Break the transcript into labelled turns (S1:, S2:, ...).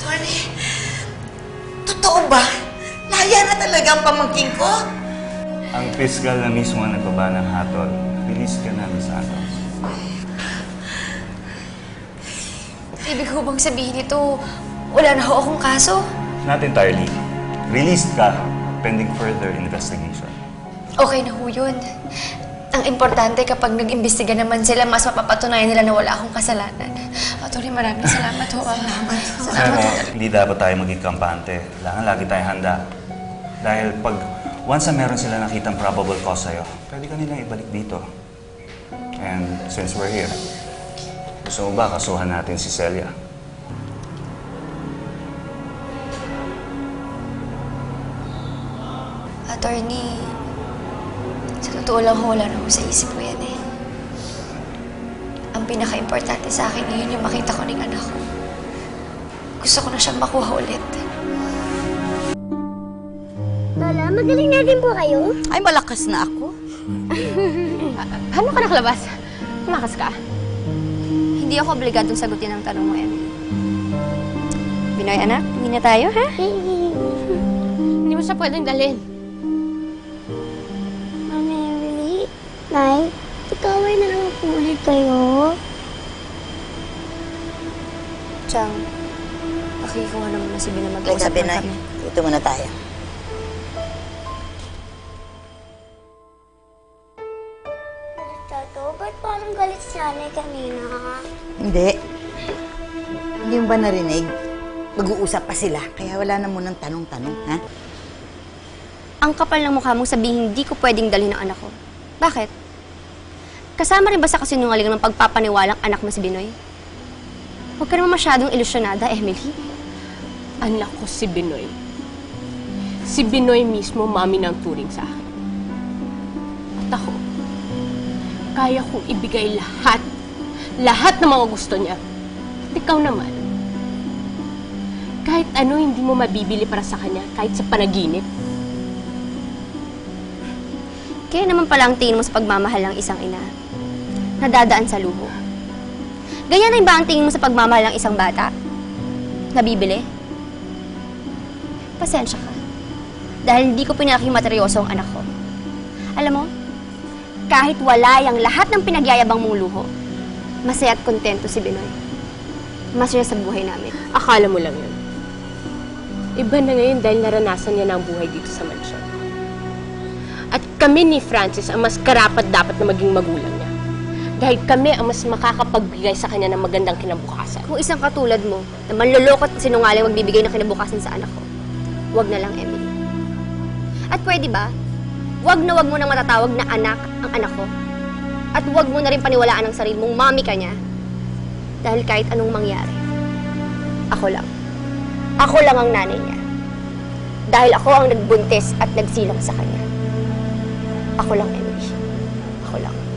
S1: Attorney, totoo ba? Laya na talaga ang pamangking ko?
S2: Ang piskal na mismo ang nagbaba ng hatol. Release ka na, Miss Santos.
S3: Ibig ko bang sabihin ito, wala na ho akong kaso?
S2: Not entirely. Released ka, pending further investigation.
S3: Okay na ho yun. Ang importante kapag nag-imbestiga naman sila, mas mapapatunayan nila na wala akong kasalanan. Atty, maraming salamat ho.
S2: Alam mo, hindi dapat tayo maging kampante. Kailangan lagi tayong handa. Dahil once na meron sila nakitang probable cause sa'yo, pwede ka nilang ibalik dito. And since we're here, gusto mo ba kasuhan natin si Celia?
S3: Attorney, sa totoo lang wala na ho sa isip ko yan eh. Ang pinaka-importante sa akin ngayon yung makita ko ng anak ko. Gusto ko na siyang makuha ulit.
S4: Lola, magaling na din po kayo?
S1: Ay, malakas na ako.
S5: Paano ka nakalabas? Malakas ka? Hindi ako obligadong sagutin ang tanong mo, Emily. Binoy, anak, hindi na tayo, ha? Hindi mo siya pwedeng dalhin.
S4: Mami Emily, Nay, ikaway na naman po ulit kayo.
S5: Chang, pakikuha naman na si Binoy,
S1: Like
S5: mag-uusap
S1: sabi
S5: lang
S1: na,
S5: kami.
S1: dito muna tayo.
S4: Tato, ba't parang galit si nanay kanina?
S6: Hindi. Hindi mo ba narinig? Mag-uusap pa sila, kaya wala na munang tanong-tanong, ha?
S5: Ang kapal ng mukha mong sabihin hindi ko pwedeng dalhin ang anak ko. Bakit? Kasama rin ba sa kasinungalingan ng pagpapaniwalang anak mo si Binoy? Huwag ka naman masyadong ilusyonada, Emily.
S7: Anak ko si Binoy. Si Binoy mismo mami ng turing sa akin. At ako, kaya kong ibigay lahat. Lahat ng mga gusto niya. At ikaw naman. Kahit ano hindi mo mabibili para sa kanya, kahit sa panaginip.
S5: Kaya naman pala ang tingin mo sa pagmamahal ng isang ina. Nadadaan sa luho. Ganyan rin ba ang tingin mo sa pagmamahal ng isang bata? Nabibili? Pasensya ka. Dahil hindi ko pinaking materyoso ang anak ko. Alam mo, kahit wala yung lahat ng pinagyayabang mong luho, masaya at kontento si Binoy. Masaya sa buhay namin.
S7: Akala mo lang yun. Iba na ngayon dahil naranasan niya na ang buhay dito sa mansyon. At kami ni Francis ang mas karapat-dapat na maging magulang niya. Dahil kami ang mas makakapagbigay sa kanya ng magandang kinabukasan.
S5: Kung isang katulad mo, na manloloko at sinungaling magbibigay ng kinabukasan sa anak ko, wag na lang, Emily. At pwede ba, wag na wag mo nang matatawag na anak ang anak ko. At wag mo na rin paniwalaan ang sarili mong mami ka niya. Dahil kahit anong mangyari, ako lang. Ako lang ang nanay niya. Dahil ako ang nagbuntis at nagsilang sa kanya. Ako lang, Emily. Ako lang.